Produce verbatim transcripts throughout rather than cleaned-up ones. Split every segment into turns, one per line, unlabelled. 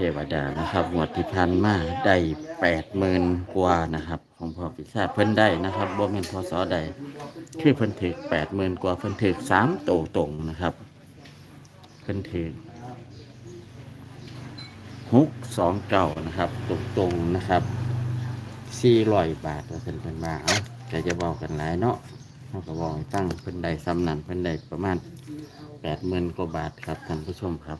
วดานะครับงวดที่ผ่านมาได้แปดหมื่นกว่านะครับของพ่อปีศาจเพิ่นได้นะครับบ่แม่นพศใดคือเพิ่นถึกแปดหมื่นกว่าเพิ่นถึกสามโตตรงนะครับเพิ่นถึกหกสองเก้านะครับตรงตรงนะครับสี่ร้อยบาทว่าเพิ่นเพิ่นมาเอาแต่จะบอกกันหลายเนาะเขาก็บอกให้ตั้งเพิ่นได้ซ้ำนั่นเพิ่นได้ประมาณแปดหมื่นกว่าบาทครับท่านผู้ชมครับ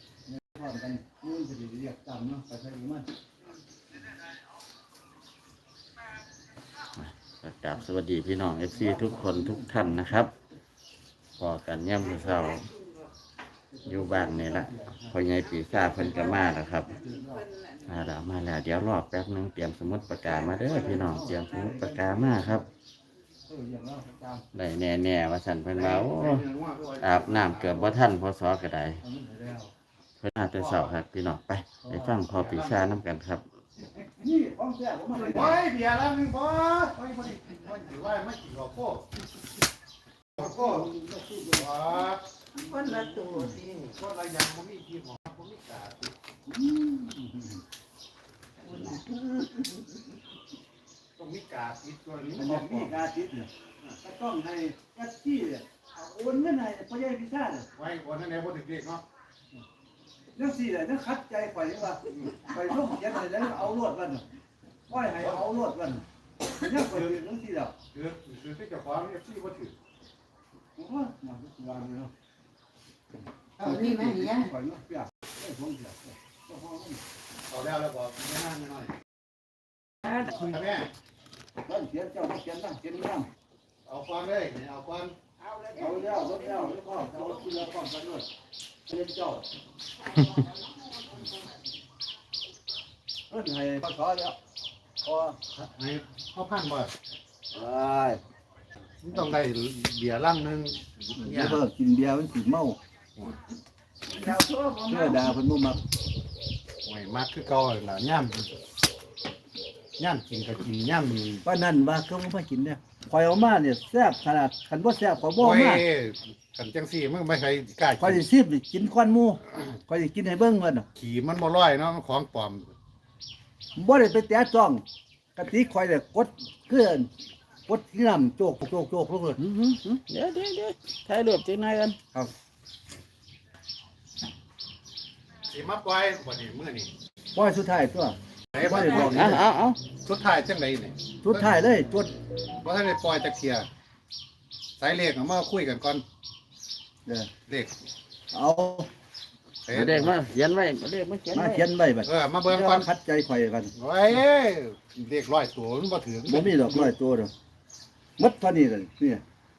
กราบสวัสดีพี่น้องเอฟซีทุกคนทุกท่านนะครับพอกันย่ำเช้าอยู่บ้านนี่ละพอใหญ่ปีศาจเพิ่นก็มาแล้วครับมาแล้วมาแล้วเดี๋ยวรอแป๊บนึงเตรียมสมุดปากกามาเด้อพี่น้องเตรียมสมุดปากกามาครับได้แน่ๆว่าสันเพิ่นว่าโอ้อาบน้ำเกือบบ่ทันพอสอก็ได้เพิ่นอาจจะเศร้าครับพี่น้องไปไปฟังพอปีศาจน้ำกันครับ
นี่ของแท้ผมมาเลยโอ้ยเบียร์แล้วนึงพอโอ้ยพอดีมันถือว่าไม่กี่หรอกโก้โก้ว้าคนละตัวสิคนละอย่างผมมีกี่หมอผมมีกาติต้องมีกาติตัวนี้มันมีกาติเนี่ยก็ต้องให้แอปปี้เนี่ยโอนเงินให้พ่อใหญ่พิซซ่าเนี่ยไว้โอนให้ในบนเด็กๆเนาะเรื่องสี่เลยเรื่องคัดใจข่อยว่าข่อยร่วมยันอะไรแล้วเอาลวดกันข่อยให้เอาลวดกันเนี่ยข่อยเรื่องสี่แล้วคือคือที่จะฟ้องเนี่ยสี่ก็ถือโอ้โหมาทุกวันเลยเนาะเอานี่ไหมเนี่ยข่อยเนาะเปียกได้ท้องเปียกเอาแล้วแล้วบอกไม่น่าไม่น้อยคุณแม่ตั้งเขียนเจ้าเขียนตั้งเขียนตั้งเอาความเลยเอาความเอาแล้วเอาแล้วลดแล้วแล้วก็เอาที่เราความกันด้วยเรียนเจ้าเอิ้นให้พอสอแล้วพอให้พ่อพันบ่ไอ้ต้องได้เบียร์ลังนึงเนี่ยเพิ่นกินเบียร์มันสิเมาเชื่อดาเพิ่นบ่มักไม่มักคือเก่าล่ะย่ำย่ำกินก็กินย่ำนี่ว่านั่นว่าเขาบ่กินเนี่ยข่อยเอามาเนี่ยแซ่บขนาดคันบ่แซ่บข่อยบ่มากันจังซี่มึงไม่ใครกล้าข่อยสิซีบกินควันหมู่ข่อยสิกินให้เบิ่งก่อนน่ะขี้มันบ่ร้อยเนาะของปลอมบ่ได้ไปแตะจ้องกะติข่อยเนี่ยกดเกินกดที่น้ำโจกโจกโจกลงเลย
เดี๋ยวเดี๋ยวเดี๋ยวถ่ายรูปจังหน่อยกัน
ครับสิมาปล่อยบ่นี่มื้อนี้ปล่อยสุดท้ายตัวไหนบ่ได้บอก
เอาเอาเอา
สุดท้ายจังไดนี่สุดท้ายเลยจุดบ่ทันได้ปล่อยจักเที่ยสายเลขเอามาคุยกันก่อนเด้อเลขเอา
เด็กมาเขียนไว้เด็กมาเขียน
มาเขียนไว้บัดเออมาเบิ่งก่อนคัดใจข่อยกันโอ้ยเลขร้อยตัวมันบ่ถึงบ่มีดอกร้อยตัวดอกหมดเท่านี้เลยนี่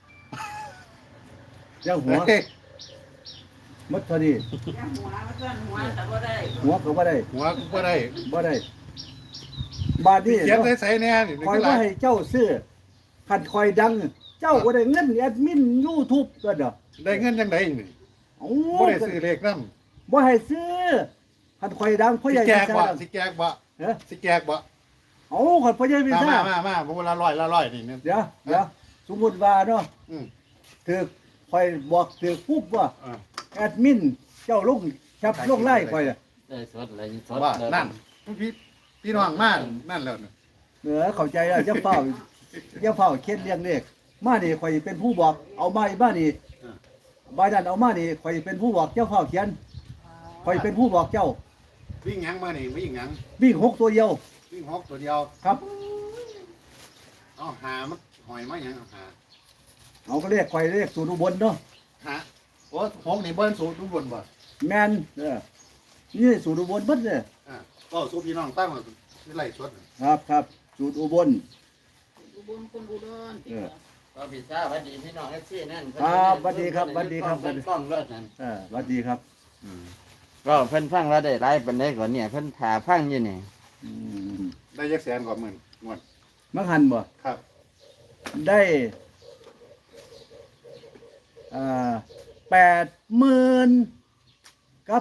เจ้าหัวหมดเท่านี้หัวหัวแต่บ่ได้หัวก็บ่ได้หัวก็บ่ได้บ่ได้บาดนี้เขียนใส่ๆแน่นี่ข่อยว่าให้เจ้าซื้อคันข่อยดังเจ้าบ่ได้เงินแอดมิน YouTube ก็ดอกได้เงินจังได๋นี่บ่ได้ซื้อเลขนำบ่ให้ซื้อคันข่อยดังพ่อใหญ่สิแจกบ่สิแจกบ่เฮ้อสิแจกบ่เอ้าคันพ่อใหญ่มีซ่ามามาๆบ่ละร้อยละร้อยนี่เดี๋ยวเดี๋ยวสมมุติว่าเนาะอือถือข่อยบอกถือปุ๊บว่าแอดมินเจ้าลงชับลงไล่ข่อยอ่ะ
ได้สดอะไรสด
นั่นพี่พี่น้องมานั่นแล้วเออเข้าใจแล้วจะเฝ้าจะเฝ้าเขียนเรียงเลขมานี่ข่อยเป็นผู้บอกเอามาอีบ้านนี่บายดันเอามานี่ข่อยเป็นผู้บอกเจ้าเฝ้าเขียนข่อยเป็นผู้บอกเจ้าวิ่งหยังมานี่วิ่งหยังวิ่งหกตัวเดียววิ่งหกตัวเดียวครับเอาหามันหอยมาหยังเอาหาเอาก็เรียกข่อยเรียกสูตรอุบลเนาะฮะโอ้หกนี่เบิ้ลสูตรอุบลบ่แมนเออนี่สูตรอุบลเบิ้ลเลยอ่าก็สูตรพี่น้องตั้งมาที่ไร่สดครับครับสูตรอุบล
อุบลคนอุดร
เออก็พี่ซ่าสวัสดีพี่น้องเอฟซีนั่น
ครับสวัสดีครับสวัสดีครับ
กล้องเลิศนั่น
เออสวัสดีครับ
ก็เพิ่นฟังแล้วได้ไล่เป็นได้ก่อนเนี่ยเพิ่นถ่าฟังอยู่นี่
ได้ยักแสนกว่าหมื่นงวดมังหันบ่ครับได้อ่าแปดหมื่นกับ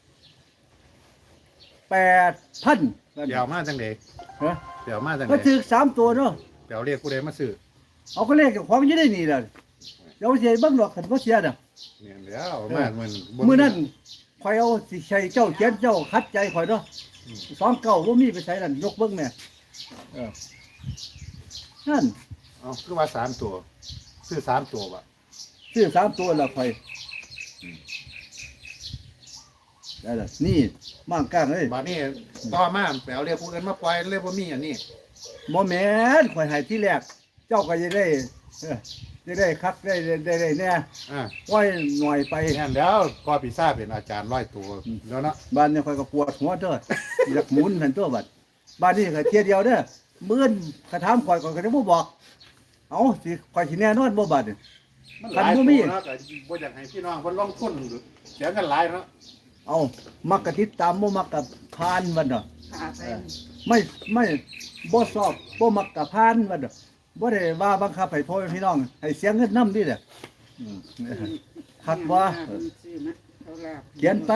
แปดพันเดี๋ยวมาจังเด็กฮะเดี๋ยวมาจังเด็กก็ถือสามตัวเนาะเดี๋ยวเรียกกูได้มาซื้อเอาก็เลขของยี่ได้นี่แหละเดี๋ยวเสียบ้างหรอกขันก็เสียน่ะเนี่ยเดี๋ยวมาเหมือนมือนั่นคข่อยเอาสิใช้เจ้าเขียนเจ้าคัดใจข่อยเนาะสองเก้าบ่มีไปใช้นั่นยกเบิ่งแม่เออนั่น
เอาคือว่าสามตัวซื้อสามตัวบ่
ซื้อสามตัวละข่อยได้ละนี่มั่งกลางเอ้ย
บัดนี้ต่อมาแปลเรียกผู้อื่นมาปล่อยเรียกบ่มีอันนี้
บ่แม่นข่อยให้ที่แรกเจ้าก็จะได้เออจะได้คักได้ได้ได้ได้แน่
อ่า
ไว้หน่อยไป
แน่นแล้วก็ปีซ่าจเป็นอาจารย์ร้อยตัวแล้วเนาะ
บ้านเนี่ยข่อยก็ปวดหัวเด้ออยากหมุนหันตัวบัดบ้านนี้ก็เที่ยเดียวเด้อมื้อนกระถามข่อยข่อยก็จะบ่บอกเอ้าสิข่อยสิแน่นอนบ่บัดนี่
มันหลาย
คั
ตั
นบ่มี
วเนาะก็บ่อยากให้พี่น้องเพิ่นลงทุนเสียเงินหลายเนาะ
เอามักกะติดตามบ่มักกะพานวันเนาะ
ขาไป
ไม่ไม่บ่สอบบ่มักกะพานวันเนาะบ่ได้ว่าบังคับให้พ่อแม่พี่น้องให้เสียเงินนำดิเด้ออืมคักว่า
ซื้อมาเขาลาบ
เขียนไป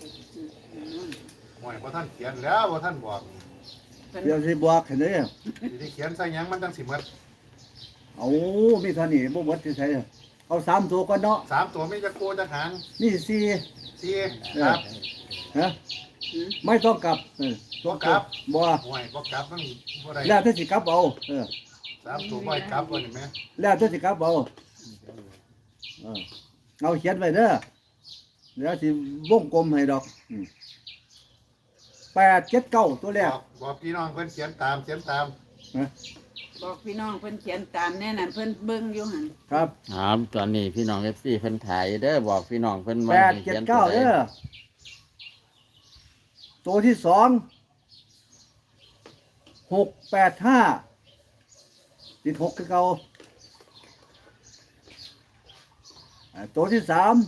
หวยบ่ท่านเขียนแล้วบ่ท่านบอก
เดี๋ยวสิบอกให้เด้อ
สิได้เขียนใส่หยังมันจังสิหมด
เอามีเท่านี้บ่หมดสิใช้เอาสามตัวก่อนเนาะ
สามตัวมีจักโกจักหาง
นี่สี่
สี่ครับ
ฮะไม่ต้องกลับเออ
บ่กลับ
บ่
หวยบ่กลับมันบ่ได้
แล้วถ้าสิกลับเอาเออ
สามตัวบ่ให้กลับว่านี่แม่
แล้วถ้าสิกลับเอาเออเอาเขียนไว้เด้อเดี๋ยวสิวงกลมให้ดอกอืมแปดเจ็ดเก้าตัวแร
บ
ก
อกบอกพี่น้องเพิ่นเขียนตามเขียนตาม
นะ
บอกพี่น้องเพิ่นเขียนตามแน่นั่นเพิ่นเบิ่งอยู่หั่น
ครับ
ครับตอนนี้พี่น้องเอฟซีเพิ่นถ่ายเด้อบอกพี่น้องเพิ่น
แปด
ให้
เจ็ด
ขียน
เก้า
ตัวใ
เด้อตัวที่สองหกแปดห้าติดหกคือเก่าอ่าตัวที่สาม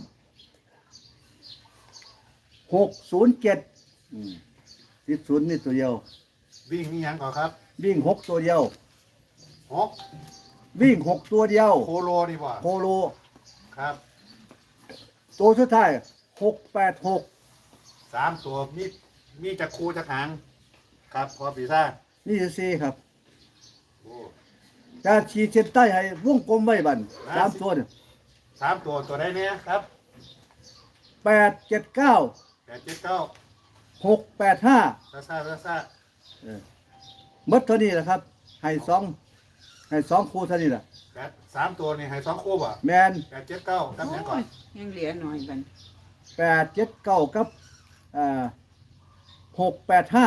หกศูนย์เจ็ดติดศูนย์นี่ตัวเดียว
วิ่งนี่หยังก่อนครับ
วิ่งหกตัวเดียว
หก
วิ่งหกตัวเดียว
โคโลดีบ่
โคโล
ครับ
ตัวสุดท้ายหกแปดหก
สามตัวมีมีจักคูจักหางครับพอปีซ่าจ
นี่สี่ครับ
โอ้
การฉีดเส้นใต้ให้วงกลมไว้บันสามตัวเนี่ย
สามตัวตัวใดเนี่ยครับ
แปดเจ็ดเก้า
แปดเจ็ดเก้า
หกแปดห้า
ซาซาซาซา
มดเท่านี้แหละครับ ให้สองให้สองคู่เท่านี้แหละ
แปดสามตัวนี่ให้สองคู่บ่
แมน
แปดเจ็ดเก้ากับหยังก่อ
โอ้
น
ยยังเหลือหน่อยบัด
แปดเจ็ดเก้ากับอ่าหกแปดห้า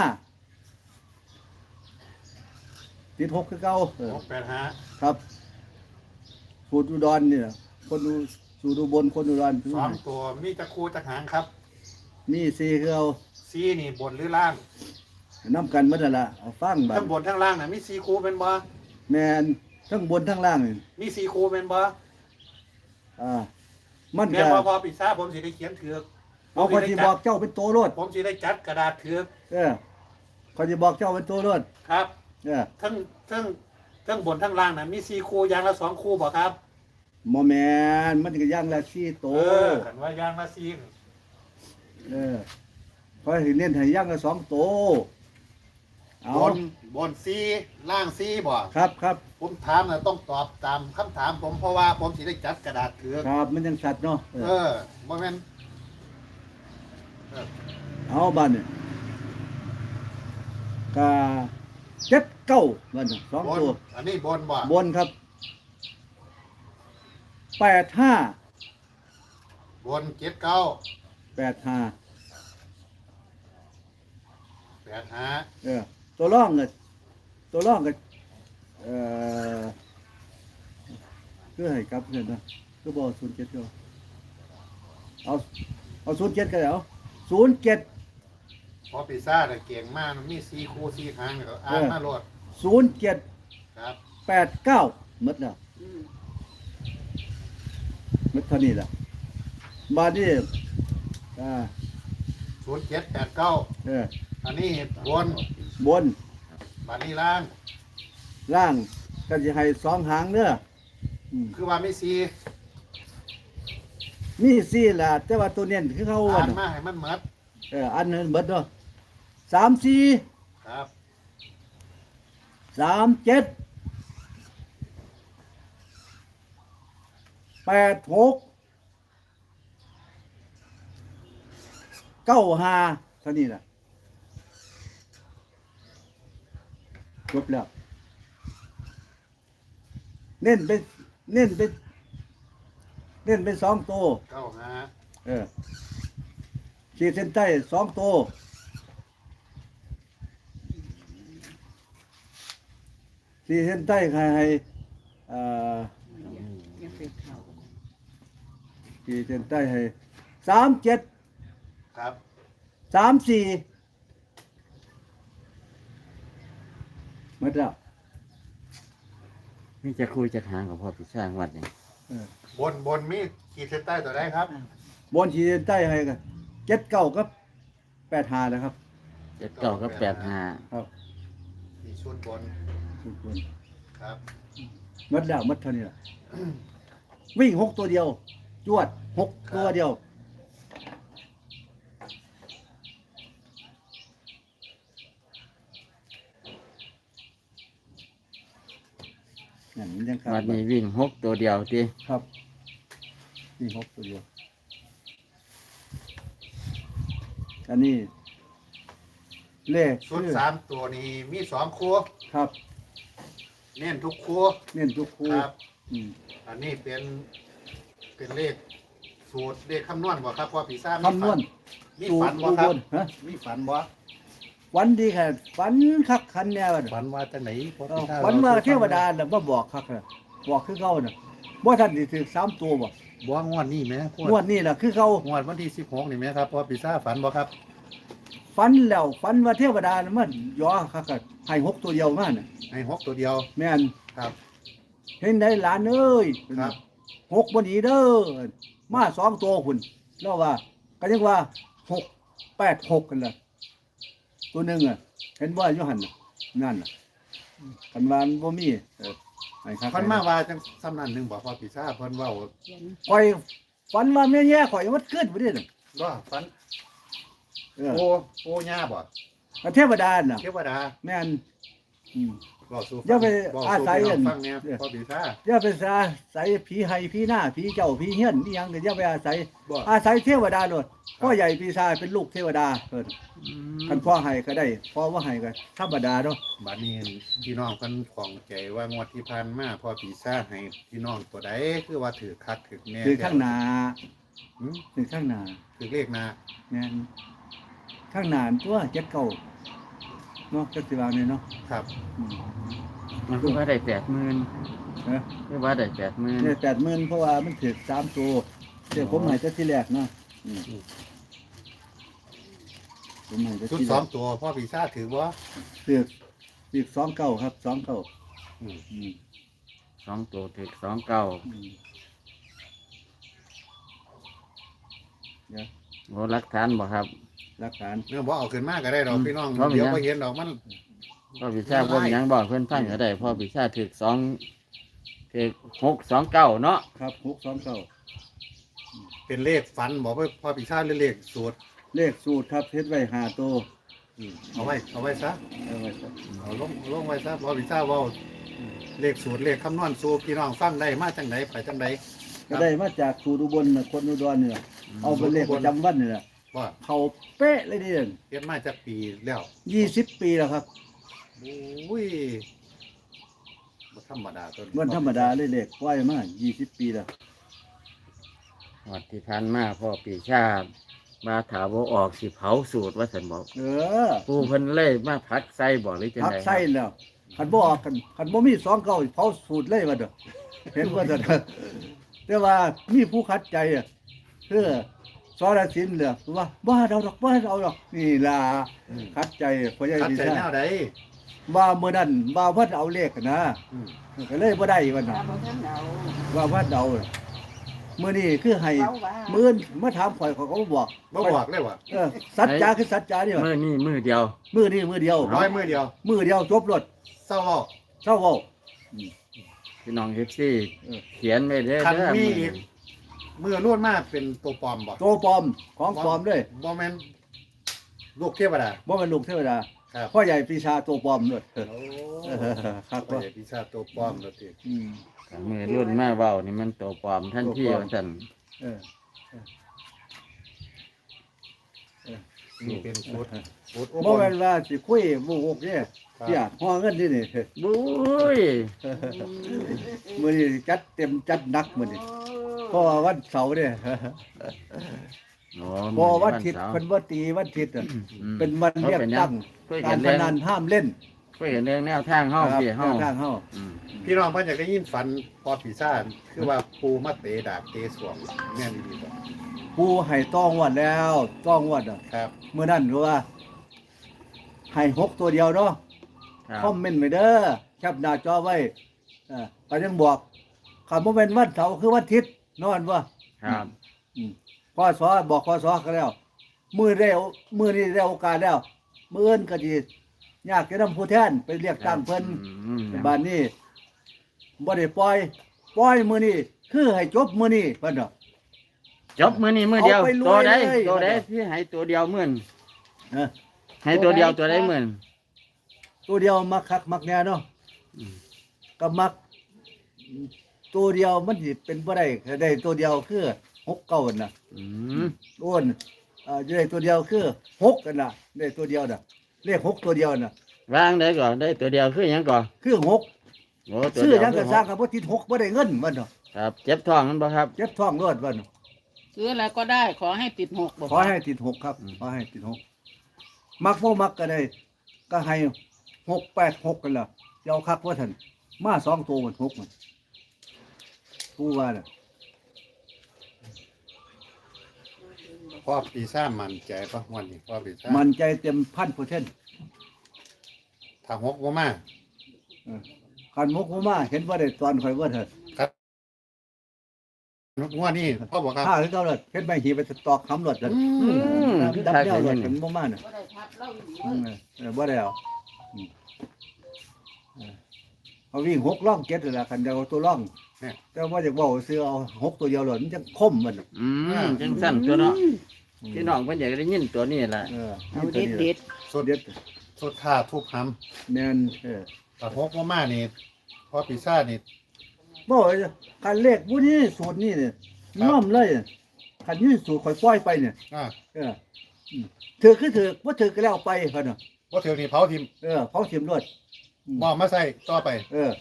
ติดหกคือเก้าเออ
หกแปดห้า
ครับสูตรอุดรเนี่ยคนดูสูตรอุบลคนอุดร
สองตัวมีจักคูจักหางครับ
มีสี่คือเอา
ซีนี่บนหรือล่าง
น้ำกันหมัดละเอาฟังบั
ทั้งบนทั้งล่างน่ะมีซีคูเป็นบ่
แมนทั้งบนทั้งล่างนี่
มีซีคูเป็นบ่
อ่ามัน
แม่
ก็
พอพอปีซ่าจผมสิได้เขียนถือก
เอาคนที่บอกเจ้าเป็นตัวรถ
ผมสิได้จัดกระดาษถือก
เออคนที่บอกเจ้าเป็นตัวรถ
ครับ
เออ
ทั้งทั้งทั้งบนทั้งล่างน่ะมีซีคูอย่างละสองคูบ่ครับ
หมอแมนมันก็ย่างละสี่โต
เออขันว่าอย่างละซี
เออเพราะเห็นเน้นให้ย่างละสองโตเอา
บนบนซีล่างซีบ่
ครับครับ
ผมถามน่ะต้องตอบตามคำถามผมเพราะว่าผมสิได้จัดกระดาษถือก
ครับมันยังสัตว์เนาะเอ
เอ
อ
อบ่แม่นเออ
เอาบ้านเนี่ยกาเจ็ดเก้าบ้านน่ะสอง
บน
ตัว
อันนี้บนบ่
บนครับแปดห้า
บนเจ็ดเก้า
แปดห้า
แปดห้า
เออตัวร่องก็ตัวร่องก็เออคือให้กลับเพื่อนนะคือบอกศูนย์เจ็ดก็เอาเอาศูนย์เจ็ดก็ได้เอาศูนย์เจ็ด
พอปีซ่าจน่ะเก่งมากมันมีซีคูซีหางเนี่ยก็อ่านมาโลด
ศูนย์เจ็ด
ครับ
แปดเก้าหมดแล้ว
อืม
หมดเท่านี้แหละบาดนี้อ่า
ศูนย์เจ็ดแปดเก้า
เออ
อันนี้บน
บน
บัดนี้ล่าง
ล่างก็จะให้สองหางเด้ออืม
คือว่าไม่ซี
มีสี่ล่ะแต่ว่าตัวเน้นคือเขา
อ่า
ว่าน
มาให้มันหมด
เอออันนั้นหมดเนาะสามสี่
ครับ
สามเจ็ดแปดหกเก้าห้าเท่านี้ล่ะจบแล้วเน้นไปเน้นไปเน้นไปสองตัว
เก้าห้า
เออขีดเส้นใต้สองตัวขีดเส้นใต้ใครให้เอ่อ
อย่าไปเข้า
ขีดเส้นใต้ให้สามเจ็ด
ครับ
สามสี่หมดแล้ว
นี่จะคุยจะหางกับพ่อปีชางวัดนี่
เออบ
นบนมีขีดเส้นใต้ตัวใดครับ
บนขีดเส้นใต้ให้กันเจ็ดเก้ากับแปดหานะครับ
เจ็ดเก้ากับแปดห้า
ครับ
มีชุดบน
ทุกคน
ครับ
หมดแล้วหมดเท่านี้ล่ะวิ่งหกตัวเดียว จวดหกตัวเดียวนั่นมันยังขา
วั
ด
ดนี้วิ่งหกตัวเดียวที
ครับวิ่งหกตัวเดียว อันนี้เลข
ชุด
คือ
สามตัวนี้มีสองคู่
ครับ
เน้นทุกคู่
เน้นทุกคู่
ครับ
อืม
อันนี้เป็นเป็นเลขสูตรเลขคำนวณบ่ครับพ่อปีซ่าจ
คำนวณ
มี
สู
ฝั
ต
น
ร
บ่
อุ
ครับ
บลฮะ
มีฝันบ่
ฝันดีแค่ฝันคักคันแน่วะ
ฝันว่าจังไหนพ่อ
เอ
ปี
อ
ซ่า
ฝันมาเทวดาน่ะบ่บอกคักน่ะบอกคือเก่าน่ะบ่ทันสิถึงสามตัวบ่
บ่งวดนี้แหม่พว
งวดนี้ล่ะคือเก่าง
วดวันที่สิบหกนี่แหม่ครับพ่อปีซ่าฝันบ่ครับ
ฝันแล้วฝันว่าเทวดาน่ะมันย่อคักๆให้หกตัวเดียวมาน่ะ
ให้หกตัวเดียว
แม่น
ครับ
เห็นได้หลานเอ้ย
ครับ
หกบ่หนีเด้อมาสองตัวพุ่นแล้วว่าก็ยังว่าหกแปดหกกันล่ะตัวหนึงอ่ะเห็นว่าอยู่หั่นน่ะนั่นน่ะคันว่ามันบ่มีเออให้คัก
ฝันมาว่าจังซ้ำนั้นหนึงบ่พ่อปีซ่าเพิ่นเว้า
เขียน
ข่อยฝันว่าแม่แย่ข่อยมันเกิดบ่ได้น่ะ
บ่ฝัน
เออ
โอโอย่าบ่
แล้วเทวดาน่ะ
เทวดา
แม่นอืม
บอกสู่
อย่าไป
บอก
อา
สู่
ศัย
พี่น้อง
อัน
ฟังเนี่ยพอปีซ่า
อย่าไปอาศัยผีไห้ผีหน้าผีเจ้าผีเฮี้ยนนี่ยังก็อย่าไปอาศัย
บ่
อาศัยเทวดาโลดพ่อใหญ่ปีศาจเป็นลูกเทวดาเพิ่นคันพ่อให้ก็ได้พ่อบ่ให้ก็ธรรมดาเนาะ
บัดนี้พี่น้องเพิ่นของใจว่างวดที่ผ่านมาพอปีซ่าให้พี่น้องตัวใดคือว่าถือคักถือแน่
คือข้างหน้า
หืม
คือข้างหน้า
ถือเลขหน้า
แม่นข้างหน้าตัวเจ็ดเก้าเนาะจักสิว่าแม่นเนาะ
ครับ
อืม
มันคือว่าได้แปดหมื่น
เอ้อ
คือว่าได้แปดหมื่น
ได้แปดหมื่นเพราะว่ามันถึกสามตัวเดี๋ยวผมให้แต่ที่แรกเนาะอืมผมให้แต่
ชุด
ที่
ส
แร
อง
ก
ตัวพ่อปีซ่าถือว่า
ถึกถึกสองเก้าครับสองเก้าอืม
สองตัวถึกสองเก้า
อืมเดี๋ยว
โอ้รักฐานบ่ครับ
หลักฐาน
เรื่องบ่เอาขึ้นมาก็ได้ดอก
อืม
พี่น้อง
เพราะมัน
เดี๋ยว
ยัง
บ่เห็นดอกมัน
พ่อปีชาพ่อมีหยังบอกเพื่อนฟังก็ได้พ่อปีชาถึกสองถึกหกสองเก้าเนาะ
ครับหกสองเก้า
เป็นเลขฝันบอกว่าพ่อปีซ่าหรือเลขสูตร
เลขสูตรครับเฮ็ดไว้หาตัว
อืมเอาไว้เอาไว้ซะ
เอาไว้ครับ
เอาลงลงไว้ซะพ่อปีซ่าเว้าเลขสูตรเลขคำนวณสู่พี่น้องฟังได้มาจังไดไปจังได
ก็ได้มาจากสูตรอุบลน่ะคนอุดรนี่ล่ะเอาเป็นเลขประจำวันนี่ล่ะ
ว่า
เขาเป๊ะเลยเด่น
เฮ็ดมาจากปีแล้ว
ยี่สิบปีแล้วครับ
โอ้ยบ่ธรรมดาตัวนี้
วันธรรมดาเลยเลขปล่อยมายี่สิบปีแล้ว
วัดที่ผ่านมาพ่อปีชามาถามว่าออกสิเผาสูตรว่าสันบอก
เออ
ปูเพิ่นเลยมาพักใส่บอกหรือจัง
พัก
ไดค
ไส้
รับ
แล้วคันบ่ออกกันคันบ่มีสองเก้าเผาสูตรเลยว่าเด้อเห็นว่าเด้อแต่ว่ามีผู้ขัดใจอ่ะคือสรสินเหลือว่าบ่เอาดอกบ่เอาดอกนี่ล่ะ
อืม
ขัดใจพ่อใหญ่
คัด
ดี
ใจ
ซ่า
แนวใด
ว่าเมื่อนั้นว่าวัดเอาเลขนะ
อืม
ก็เลยบ่ได้วัน
ตา
นั้น
บ่ทันเอา
ว่าวัดเอาน่ะมื้อนี้คือให้
เว้าว่า
มื้ออนมาถามข่อยเขาก็บ่บอก
บ่บอกเลยว่า
เออสัจจาคือสัจจานี่ว่า
มือนี่มือเดียว
มื้อนี้มื้อเดียว
ร้อยมือเดียว
มื้อเดียวจบรถ
เศร้าเว้า
เช้าเว้า
พี่น้องเอฟซี
เออ
เขียนไว้เด้อ
คัน
เด้อ
มี
มือ
อีกมือล้วนมากเป็นตัวปลอมบ่
โตปลอมของปลอมเด้ย
บ่แม่นลูกเทวดา
บ่แม่นลูกเทวดา
ครับ
พ่อใหญ่ปีชาตัวปลอมด้วยเออ
โอ้
เออครับ
พ่อใหญ่พิชาตัวปลอมแล้วติ
อืม
มือรุ่นมาเว้านี่มันตัวปลอมท่านที่
ตัวปลอม
ว่าซั่น
เออเออเออ
นี่เป็นสูตรสูตรอุบ
บ่
ล
แม่นว่าสิคุยโมโหกเนี่ยเสียห่อเงินนี่นี่
บุ้ย
มื้อนี้จัดเต็มจัดหนักมื้อนี้เพราะว่าวันเสาร์เนี่ย
โอ้
เพราะวันอาทิตย์
เสาร์
เพิ่นบ่ตีวันอาทิตย์อะ
อืม
เป็นวันเรียกตั้ง
คุย
กา
กั
ร
น
พ
เรื่อง
นันห้ามเล่น
คุยกันเรื่องแนวทางเฮาพี่เฮา
ทางเฮา
อืม
พี่น้องเพิ่นอยากได้ยินฝันพอปีซ่าจคือว่าปูมาเตะดาบเตะสวงแม่นดีบ่
ผู้ให้ต้องวัดแล้วต้องวัดอ่ะ
ครับ
เมื่อนั้นรู้ว่าให้หกตัวเดียวเนาะ
ครับ
คอมเมนต์ไว้เด้อแคปหน้าจอไว้อ่าก็ยังบอกคำว่าเป็นวันเสาร์คือวันอาทิตย์นอนว่า
ครับ
อืมพอสอบอกพอสอก็แล้วมือได้โอมือนี้ได้โอกาสแล้วมืออื่นก็ดียากจะนำผู้แทนไปเรียกตั้งเพิ่น
อืม
บ้านนี้บ่ได้ปล่อยปล่อยมือนี้คือให้จบมือนี้เพิ่นดอก
จบมื้อนี้มื้อเดียว
เอาไปร
ตัว
วย
ใด
เลย
ตัวใดที่ให้ตัวเดียวมื้อน
เออ
ให้ตัวเดียวตัวใดมื้อน
ตัวเดียวมักคักมักแน่เนาะ
อืม
ก็มัก ตัวเดียวมันสิเป็นบ่ได้ก็ได้ตัวเดียวคือหกเก้าน่ะ
อืม
อ้วนอ่าได้ตัวเดียวคือหกกันน่ะได้ตัวเดียวน่ะเลขหกตัวเดียวน่ะ
วางได้ก่อนได้ตัวเดียวคือหยังก่อน
คือหก
โอ้ตัว
ซื้อ
เดียว
หยังก็
คือ
สร้างกับบ่ติดหกบ่ได้เงินมันเนาะ
ครับเจ็บท้องมันบ่ครับ
เจ็บท้องรอดมันเนาะ
ซื้ออะไรก็ได้ขอให้ติดหกบอก
ขอให้ติดหกครับ
อืม
ขอให้ติดหกมักบ่มักก็ได้ ก็ให้หกแปดหกกันล่ะสิเอาคักว่าท่านมาสองตัวมันหกมันผู้ว่าน่ะ
พ่อปีซ่ามั่นใจป่ะวันนี้พ่อปีซ่า
มันใจเต็มพันเปอร์เซ็นต์
ถ้าหกบ่มา
คันมุกบ่มาเห็นว่าได้ตอนข่อยว่าเถิด
งวดนี้พ่อบอกครับ
ถ้าคือเก่าเลยเฮ็ดไม่หีไปตอกคำรถกัน
อืมคือ
ดับ
คัก
แน
เล
วย รถ
นี่
กันบ่มาน่ะ
ก็ได้ทับเล่าอยู่ดี
อืมเออบ่ได้เอาอืมเออเอาวิ่งหกล่องเจ็ดนั่นล่ะคันเดียวเอาตัวล่องแต่ว่าจะบอกซื้อเอาหกตัวเดียวเลยมันจะคมมันน่ะ
อืมจังสั่นตัวเนาะพี่น้องเพิ่นอยากได้ยินตัวนี้แหละ
เออ
เอาเด็ดเด็ด
สุด
เด็ด
สุดท่าทุบห
แม่นเออ
ำถ้าหกบ่มานี่พ่อปีซ่านี่
บ่ว่าคันเลขผู้นี้สูตรนี้เนี่ยย่อมเลยคันนี้สูตรข่อยปล่อยไปเนี่ย
อ่า
เอออืมถือคือถือบ่ถือก็แล้วไปเพิ่นน่ะ
บ่ถือนี่เผาทิ่ม
เออเผาถิ่มรถอืม
บ่มาใส่ต่อไป
เออ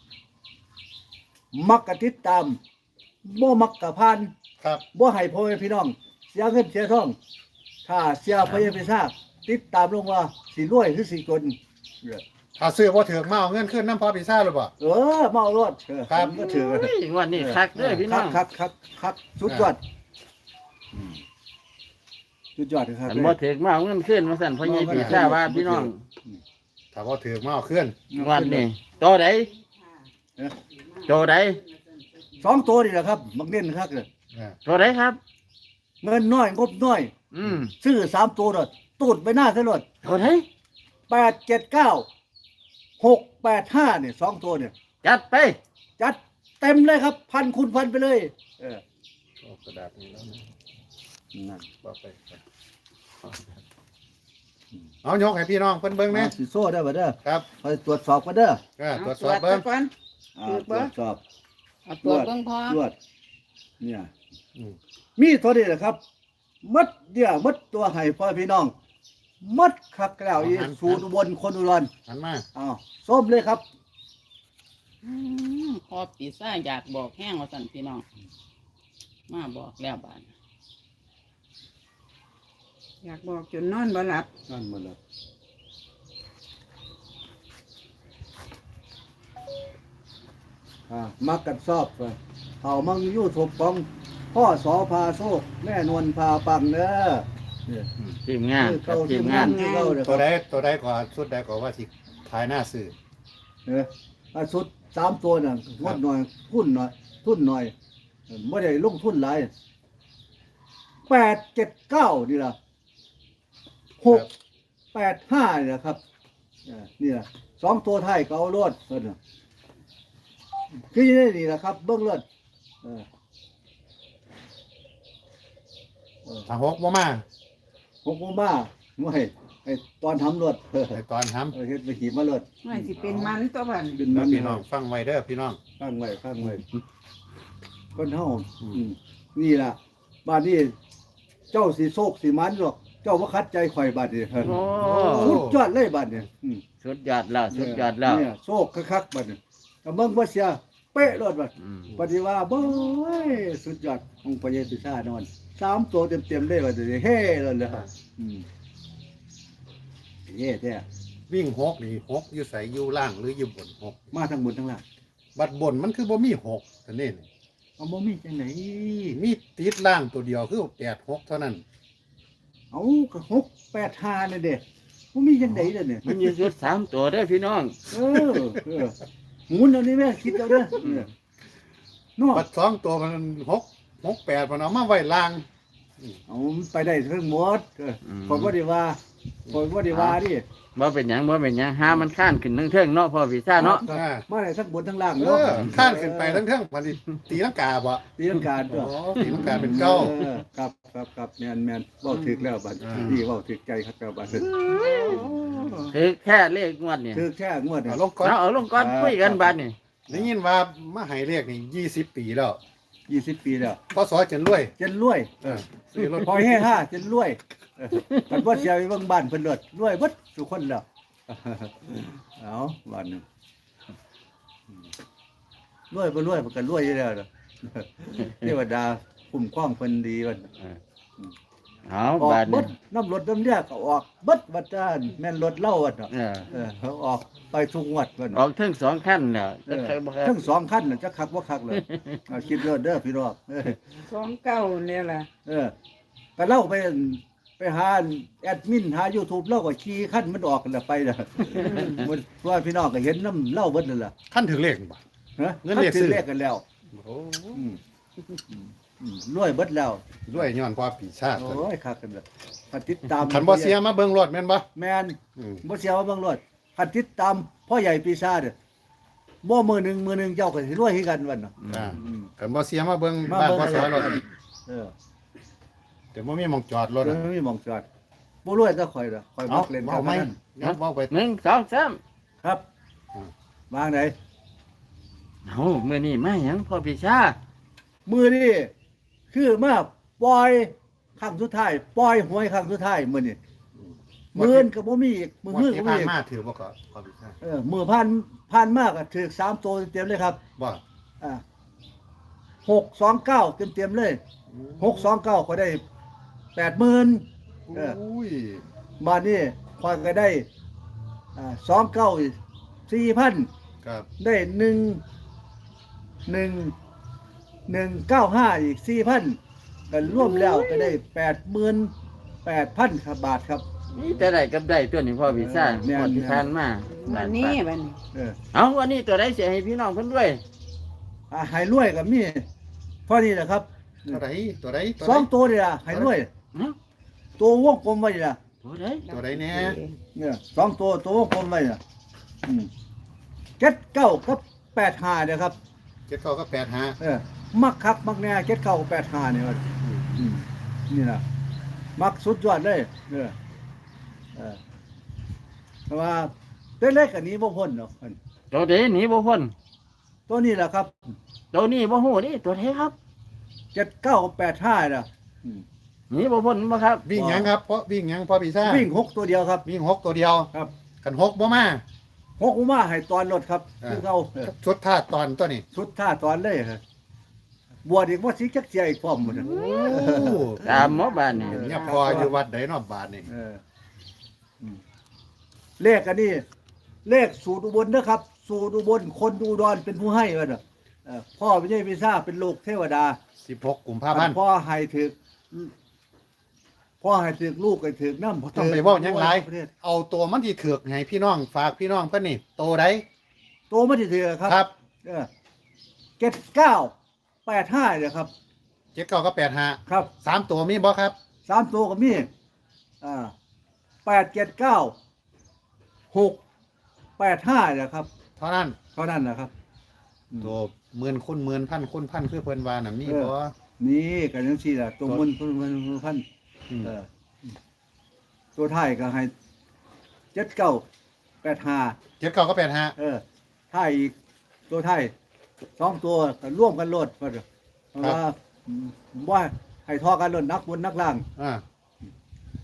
มักกะติดตามบ่มักกะพาน
ครับ
บ่ให้พ่อแม่พี่น้อง เสียเงินเสียทอง ถ้าเสียพ่อแม่พี่น้องติดตามลงว่าสิรวยหรือสิจนเออ
ถ้าซื้อบ่ถือมาเอาเงินขึ้นน้ำพ่อปีซ่าหรือเปล่า
เออมาเอารถเออ
ครับ
ก็ถือ
โอ้ยงวันนี้คักเด้อพี่น้อง
คักคักคักสุดยอดสุดยอดครับ
อันบ่ถึกมาเอาเงินขึ้นมาสั่นพ่อใหญ่ปีชาว่าพี่น้อง
ถ้าบ่ถือมาเอาขึ้น
งวันนี้ตัวใด
เออ
ตัวใด
สองตัวนี่แหละครับมักเน้นคักเลย
อ่า
ตัวใดครับ
เงินน้อยงบน้อย
อืม
ซื้อสามตัวรถตูดไปหน้าซะรถ
ตัวใด
แปดเจ็ดเก้าหกแปดห้าเนี่ยสองตัวเนี่ย
จัดไป
จัดเต็มเลยครับ พันคูณพันไปเลย เออ
เอากระดาษนี้แล้วนะ
นั่น
บ่ไปเอายกให้พี่น้องเพิ่นเบิ่งนะ
เอาสิโซ่ได้บ่เด้อ
ครับ
คอยตรวจสอบกันเด้อ
เออตรวจสอบเบิ่ง
ก่อน
อ่า
ตรวจ
ต
เบิ่
รง วจสอบ
เอาตัวจเบิ่งพอ
ตรวจเนี่ย
อืม
มีเท่านี้แหละครับมัดเดียวมัดตัวให้พ่อพี่น้องมัดคักแล้วอีสูตรอุบลคนอุดร
หันมา
อ้าวส้มเลยครับ
อืมพอปีซ่าอยากบอกแห้งว่าสั่นพี่น้องมาบอกแล้วบานอยากบอกจนนอนบ่หลับ
นั่นหมดแล้วอ่ามักกันชอบไปเอามังยูทูบของพ่อสอพาโชคแม่นวลพาปังเด้อเนี่ย
ทีมงาน
คือ
ครั
เก่า
บที
ที่
ม
งาง
าน น
คือเก่าเด้อค
ตัว
รับ
ใดตัวใดก่อนสุดใดก่อนว่าสิทายหน้าซื้อ
เอออาสุดสามตัวน่ะงดหน่อยทุนหน่อยทุนหน่อยไม่ได้ลงทุนหลายแปดเจ็ดเก้านี่ล่ะหกแปดห้านี่ล่ะครับเออนี่ล่ะสองตัวไทายก็เอารถเพิ่นน่ะคือนี่ล่ะครับ เบิ้งรถเออเออ
ถ้าหกบ่มา
หกโมงมาไม่ไอตอนทำรถเออ
ไอ้ตอนทำ
เออเฮ็ดไปขี่มารถ
ไม่สิเป็นมันตัวบัน
เป็น
แล้
มั
วน พี่น้องฟังไว้เด้อพี่น้อง
ข้างไว้ข้างไว้คนเฮาอืมนี่ล่ะบ้านนี้เจ้าสีโศกสีมันหรอกจ้าว่าคัดใจข่อยบาดนี่
โอ้
สุดยอดเลยบาดนี่อืม
สุดยอดแล้วสุดยอดแล้ว
เนี่ยโชคคักๆบาดนี่ก็เบิ่งบ่เสียเป๊ะรถบาด
อืม
ปฏิว่าบ่ยสุดยอดของพระเยซูชานอนสามตัวเต็มๆเลยว่าจะเฮ้เลยเลยอืมเฮ้แท้
วิ่งหกนี่หกอยู่ใส่อยู่ล่างหรืออยู่บนหก
มาทั้งบนทั้งล่าง
บัดบนมันคือบ่มีหกแต่นี่
เอาบ่มีจังไหน
มีติดล่างตัวเดียวคือแปดหกเท่านั้น
เอาก็หกแปดห้านี่เด้บ่มีจังได๋เด้อเนี่ย
มันอยู่ชุดสามตัวเด้อพี่น้อง
เออเออหมุนเอานี่แม่คิดเอาเด้อเออเนาะ
บัดสองตัวมันหกหกแปดมันเอามาไว้ล่าง
เอามันไปได้ทั้งหมดเออข่อยบ่ได้ว่าข่อยบ่ได้ว่าดิ
บ่เป็นหยังบ่เป็นหยังหามันข้านขึ้นเทิงๆเนาะพ่อพี่ซ่าเนาะ
อ่า
มาได้ทั้งบนทั้งล่าง
เอ
เนาะ
อข้านขึ้นไปทั้งเท่งมันสิตีลังกาบ่
ตีลังกา
โอ้
ตัว
ตีลังกาเป็นเก้า
ออครับครับครับแม่นแม่นเว้าถึกแล้วบัด
อ่า
นี่เว้าถึกใจครับแล้วบัด
คือแค่เลขงวดเนี่ย
ถึกแค่งวด
เอา
น่ะ
ลงก่อน
เอาเอาลงก่อนคุยกันบัดนี่
ได้ยินว่ามาให้เรียกนี่ยี่สิบปีแล้ว
ยี่สิบปีแล้ว
พศจะรวย
จนรวย
เออซื้อรถ
พอยให้ห้าจนรวยเออมันบ่เสียไปเบิ่งบ้านเพิ่นเลิศรวยเบิดทุกคนแล้วเอาบ้านหนึงรวยบ่รวยมันก็รวยอยู่แล้วเด้อเทวดาคุ้มครองเพิ่นดีวัน
เอา
ออก
บัด
เบิ
นี่
ดน้ำรถน้ำเรียกก็ออกเบิดวัดจานแม่นรถเล่าวัดเนาะ
เออ
เออเขาออกไปทุกงวัดเพิ่น
ออกทั้งสองขั้นแล้ว
เออ
จะบ่ครับ
ทั้งสองคันน่ะจะคักบ่คักเลยเอาคิดเด้อเด้อพี่น้องเออ
สองเก้าเนี่ยแหละ
เออก็เล่าไปไปหาแอดมินหา YouTube เล่าก็ขี่คันมันออกกันแล้วไปล่ะมันว่าพี่น้องก็เห็นน้ำเล่าเบิดนั่นล่ะ
ขั้นถึงเลขบ่
ฮะ
เงินเรียกซื้อ
เรียกกันแล้ว
โอ้
อืมอืมรวยเบิดแล้ว
รวยย้อนพ่อปีชาติ
โอ้ยคักกันแล้วคันติดตาม
ขันบ่เสียมาเบิ่งรถแม่นบ่
แม่น
อืม
บ่เสียว่าเบิ่งรถคันติดตามพ่อใหญ่ปีศาจบ่มือหนึงมือหนึงเจ้าก็สิรวยคือกันวันเนาะ
อ่า
อืม
ขันบ่เสียมาเบิ่ง
มา
บ้าน
เบิ่ง
พ่อสอรถ
เออ
แต่บ่มีหม่องจอดรถ
เอ
อะ
อมีหมองจอดบ่รวยก็ข่อยดอกข่อยมักเล่น
เอาไหม
การพนัน
งั้นเว้าไป
หนึ่งสองสาม
ครับ
อืม
วางไหน
เอามื้อนี้มาหยังพ่อพี่ซ่า
มือนี่คือมาปล่อยครั้งสุดท้ายปล่อยหวยครั้งสุดท้ายมื้อนี้มื้ออนก็บ่มีอีกมื้อ
มื้
มื้
อ
อ
ที่
ก็บ่
ผ่าน
มีอีก
มาถือบ่ก็พ่อปีชาติ
เออมื้อผ่านผ่านมากก็ถูกสามตัวเต็มๆเลยครับ
บ่
อ่าหกสองเก้าเต็มๆเลยหกสองเก้าก็ได้แปดหมื่น เออ
อุ้ย
บาทนี้คอยก็ได้อ่าสองเก้าสี่พัน
ครับ
ได้หนึ่งหนึ่งหนึ่งเก้าห้าอีกสี่พันกันร่วมแล้วก็ได้แปดหมื่นแปดพันครับบาทครับ
นี่แต่ได้กับได้ตัวนี้พ่อพี่ซ่า
แม่น
งวดที่ผ่านมา
วันนี้วันนี้
เออ
เอาวันนี้ตัวใดสิให้พี่น้องเพิ่นด้วย
อ่าใหายรวยกับมีเท่านี้แหละครับ
ตัวใดตัวใดตัว
ส
ใด
องตัวนี่ละใหายรวย
เนาะ
ตัววงกลมไว้นี่ละ
ตัวใด
ตัวใดแน่
เนี่ยสองตัวตัววงกลมไว้น่ะอืมเจ็ดเก้ากับแปดห้าเนี่ยครับ
เจ็ดเก้าก็แปดห้า
เออมักคักมักแน่เจ็ดเก้ากับแปดห้าเนี่ยครับอืมนี่นะมักสุดยอดเลยเออเออเพราะว่าเล็กๆอันนี้บ่พ้นเนาะ
ตัวใดหนีบ่พ้น
ตัวนี้แหละครับ
ตัวนี้บ่ฮู้นี่ตัวใดครับ
เจ็ดเก้ากับแปดห้าน่ะอืม
หนีบ่พ้นบ่ครับ
วิ่งหยังครับเพราะวิ่งหยังพ่อปีชาติ
วิ่งหกตัวเดียวครับ
วิ่งหกตัวเดียว
ครับ
กันหกบ่มา
หกอุมาให้ตอนรถครับ
อ่า
คือเขาเออ
ชุดท่าตอนตัวนี้
ชุดท่าตอนเลยครับบวชอีกว่าสิจักเสียอีกพร้อมหมดน่ะ
โอ้
ตามหมอบ้านนี่
เนี่ยพออยู่วัดใดเนอกบาทนี่
เอออืมเลขอันนี้ เลขสูตรอุบลนะครับ สูตรอุบลคนอุดรเป็นผู้ให้วะเนาะเออพ่อไม่ใช่พิซ่าเป็นลูกเทวดา
สิบหกกุมภาพันธ์
พ่อให้ถึกพ่อให้ถึกลูกให้ถึกน้ำ
ต้องไปเว่าหยังไร
ประเทศ
เอาตัวมันที่ถือกให้พี่น้องฝากพี่น้องเพิ่นนี่โตใด
โตไม่ถึกครับ
ครับ
เออเจ็ดเก้าแปดห้าเนี่ยครับ
เจ็ดเก้าก็แปดห้า
ครับ
สามตัวมีบ่ครับ
สามตัวก็มีอ่าแปดเจ็ดเก้าหกแปดห้าเนี่ยครับ
เท่านั้น
เท่านั้นนะครับ
ตัวหมื่นคูณหมื่นพันคูณพันคือเพิ่นว่าน่ะมี
เออ
บ่
นี่กันยังสี่ละตัวมันตัวมันตัวพัน
ม
เออตัวไทายก็ให้เจ็ดเก้าแปดห้า
เจ็ดเก้าก็แปดห้า
เออไทายอีกตัวไทายสองตัวก็ร่วมกันโลดเพราะว่าว่าให้ทอกันโลดนักบนนักล่าง
อ่า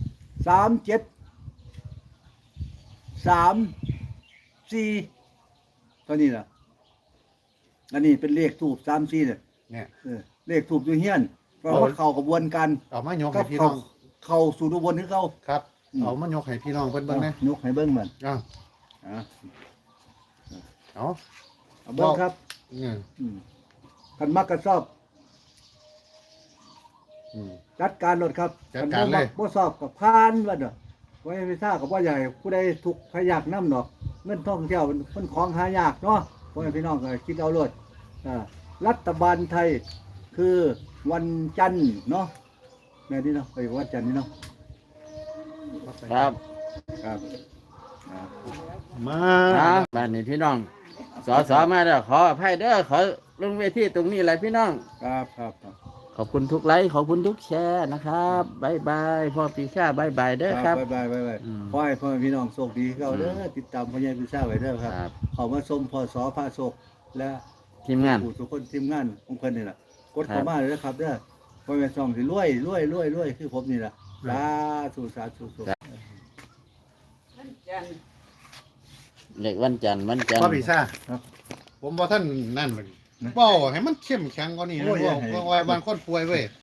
สามเจ็ดสามสี่เท่านี้ล่ะอันนี้เป็นเลขทูบสามสี่เนี่ย
เนี่ย
เออเลขทูบอยู่เฮียนเพราะว่าเข้ากระบวนการ
เอามายก
ก็
ให้พี่
เข้า
น้อง
เข้าสู่อุบลคือเขา
ครับ
อืม
เอามายกให้พี่น้องเพิ่นเบิ่งนะ
ยกให้เบิ้งมัน
อ้าว
อ่ะ
เอา
เอาเบิ้งครับ
เนี่ย
อืมกันมักกันชอบ
อืม
จัดการรถครับ
จัดการเลย
คันบ่มับ่สอบกับพานว่าเด้อไว้ไม่ทราบกับว่าใหญ่ผู้ใดทุกข์พยากน้ำดอกเงินท่องเที่ยวมันมันของหายากเนาะพ่อแม่พี่น้องก็คิดเอารถอ่ารัฐบาลไทยคือวันจันทร์เนาะแม่นี่เนาะไปวันจันทร์นี่เนาะ
ครับ
ครับอ่า
มา
ครับบ้านนี้พี่น้องสอสอมาแล้วขออภัยเด้อขอลงเวทีตรงนี้แหละพี่น้อง
ครับครับครับ
ขอบคุณทุกไลค์ขอบคุณทุกแชร์นะครับบายบายพ่อปีชาบายบายเด้อครับ
บ๊ายบายบ๊ายบาย
อืม
ขอให้พ่อแม่พี่น้องโชคดีเขาเด้อ
อืม
ติดตามพ่อใหญ่พิซซ่าไว้เด้อครับ
ครับ
เขามาชมพอสอพาโชคและ
ทีมงาน
ผู้ทุกคนทีมงานของเพิ่นนี่แหละกด
ครับ
เข้ามาเลยนะครับเด้อพ่อแม่ช่องสิรวยรวยรวยรวยคือผมนี่แหละสาธุสาธุสาธุ
นั่นจัน
เด็กวันจันทร์วันจันท
พ่อ
ร์
ปีซ่า
ครับ
ผมบ่ท่านนั่นเลยเว้าให้มันเข้มแข็งกว่านี้นะ
โอ้ย
เว้า
ให้
เพราะว่าบางคนป่วยเว้ย